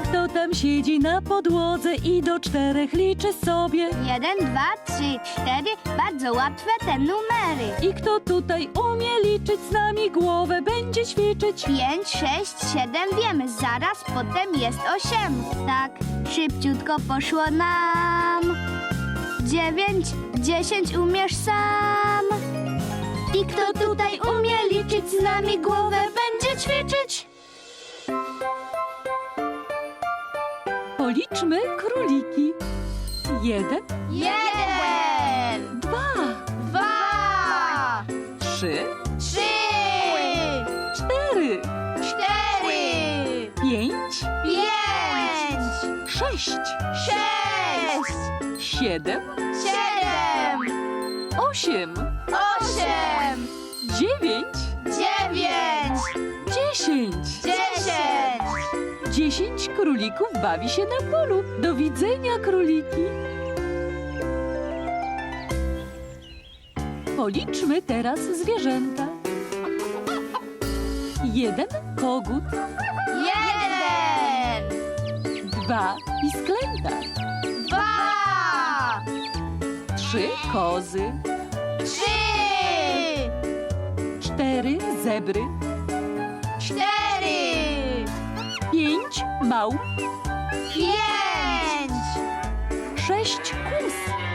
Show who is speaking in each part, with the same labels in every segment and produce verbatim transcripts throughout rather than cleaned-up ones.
Speaker 1: kto tam siedzi na podłodze i do czterech liczy sobie?
Speaker 2: Jeden, dwa, trzy, cztery. Bardzo łatwe te numery.
Speaker 1: I kto tutaj umie liczyć z nami, głowę będzie ćwiczyć?
Speaker 2: Pięć, sześć, siedem, wiemy. Zaraz potem jest osiem. Tak, szybciutko poszło nam. Dziewięć, dziesięć, umiesz sam. I kto tutaj umie liczyć z nami, głowę będzie ćwiczyć?
Speaker 1: Policzmy króliki. Jeden,
Speaker 2: Jeden,
Speaker 1: dwa,
Speaker 2: dwa,
Speaker 1: trzy,
Speaker 2: trzy,
Speaker 1: cztery,
Speaker 2: cztery,
Speaker 1: pięć,
Speaker 2: pięć,
Speaker 1: sześć,
Speaker 2: sześć,
Speaker 1: siedem,
Speaker 2: siedem,
Speaker 1: osiem,
Speaker 2: osiem,
Speaker 1: dziewięć,
Speaker 2: dziewięć,
Speaker 1: dziesięć.
Speaker 2: dziesięć.
Speaker 1: Dziesięć królików bawi się na polu. Do widzenia, króliki. Policzmy teraz zwierzęta. Jeden kogut,
Speaker 2: Jeden,
Speaker 1: dwa pisklęta,
Speaker 2: dwa,
Speaker 1: trzy kozy,
Speaker 2: trzy,
Speaker 1: cztery zebry,
Speaker 2: cztery,
Speaker 1: pięć małp,
Speaker 2: pięć,
Speaker 1: sześć kus,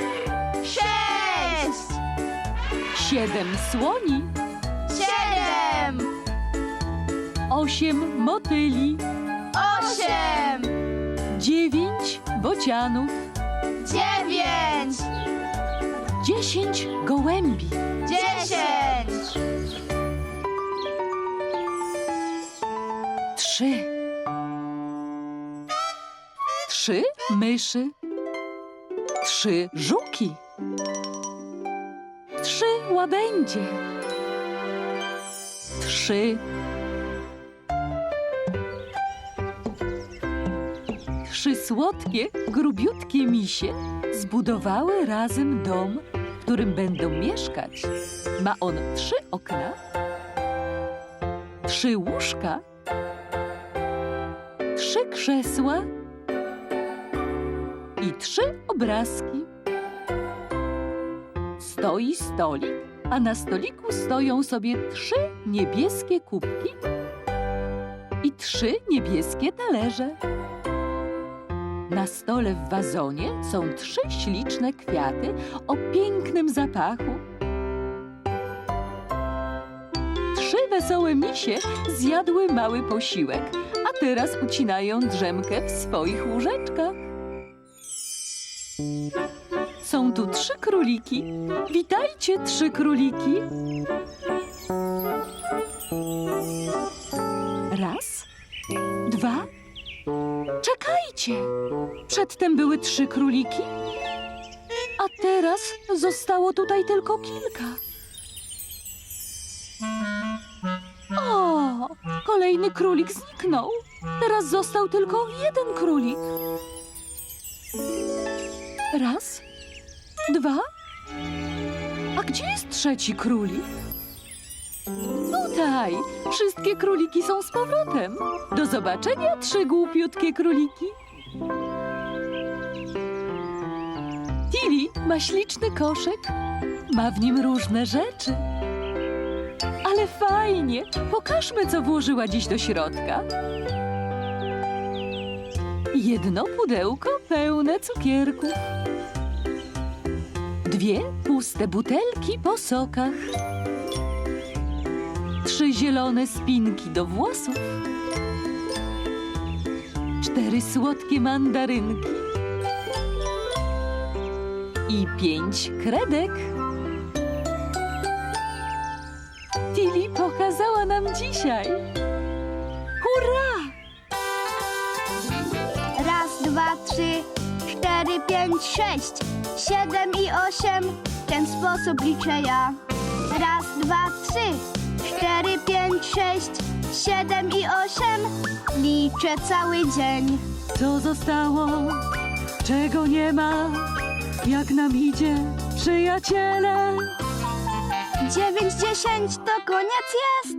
Speaker 2: sześć,
Speaker 1: siedem słoni,
Speaker 2: siedem,
Speaker 1: osiem motyli,
Speaker 2: osiem,
Speaker 1: dziewięć bocianów,
Speaker 2: dziewięć,
Speaker 1: dziesięć gołębi.
Speaker 2: dziesięć,
Speaker 1: Trzy. Trzy myszy. Trzy żuki. Trzy łabędzie. Trzy. Trzy słodkie, grubiutkie misie zbudowały razem dom, w którym będą mieszkać. Ma on trzy okna, trzy łóżka, trzy krzesła i trzy obrazki. Stoi stolik, a na stoliku stoją sobie trzy niebieskie kubki i trzy niebieskie talerze. Na stole w wazonie są trzy śliczne kwiaty o pięknym zapachu. Trzy wesołe misie zjadły mały posiłek, a teraz ucinają drzemkę w swoich łóżeczkach. Są tu trzy króliki. Witajcie, trzy króliki. Raz, dwa. Czekajcie! Przedtem były trzy króliki, a teraz zostało tutaj tylko kilka. O, kolejny królik zniknął. Teraz został tylko jeden królik. Raz, dwa. A gdzie jest trzeci królik? Tutaj! Wszystkie króliki są z powrotem. Do zobaczenia, trzy głupiutkie króliki. Tilly ma śliczny koszyk. Ma w nim różne rzeczy. Ale fajnie! Pokażmy, co włożyła dziś do środka. Jedno pudełko pełne cukierków. Dwie puste butelki po sokach. Trzy zielone spinki do włosów. Cztery słodkie mandarynki. I pięć kredek. Tilly pokazała nam dzisiaj. Hurra!
Speaker 2: Raz, dwa, trzy, cztery, pięć, sześć, siedem i osiem. W ten sposób liczę ja. Raz, dwa, trzy, cztery, pięć, sześć, siedem i osiem. Liczę cały dzień.
Speaker 1: Co zostało? Czego nie ma? Jak nam idzie, przyjaciele?
Speaker 2: Dziewięć, dziesięć to koniec jest.